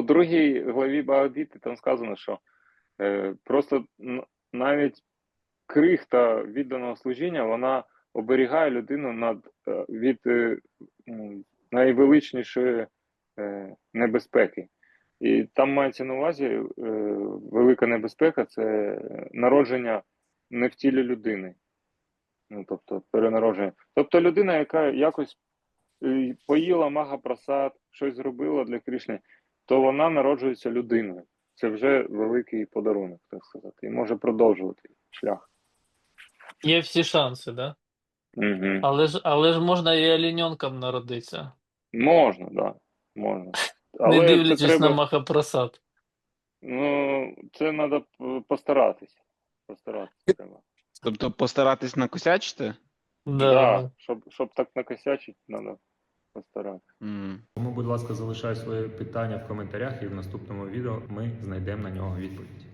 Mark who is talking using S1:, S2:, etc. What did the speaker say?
S1: у другій главі Багавад-гіти там сказано, що просто навіть крихта відданого служіння, вона оберігає людину від найвеличнішої небезпеки. І там мається на увазі велика небезпека – це народження не в тілі людини. Ну, тобто перенародження. Тобто людина, яка якось поїла Магапрасад, щось зробила для Кришни, то вона народжується людиною. Це вже великий подарунок, так сказати, і може продовжувати шлях.
S2: Є всі шанси, да?
S1: Угу.
S2: Але ж можна і олененком народитися,
S1: Можна, так, да, можна.
S2: не
S1: Але це
S2: дивлячись на
S1: треба,
S2: Махапрасад.
S1: ну, це треба постаратися. Постаратися треба.
S3: Тобто постаратись накосячити?
S1: Да, щоб так накосячити, треба постаратися.
S4: Тому, будь ласка, залишай свої питання в коментарях, і в наступному відео ми знайдемо на нього відповідь.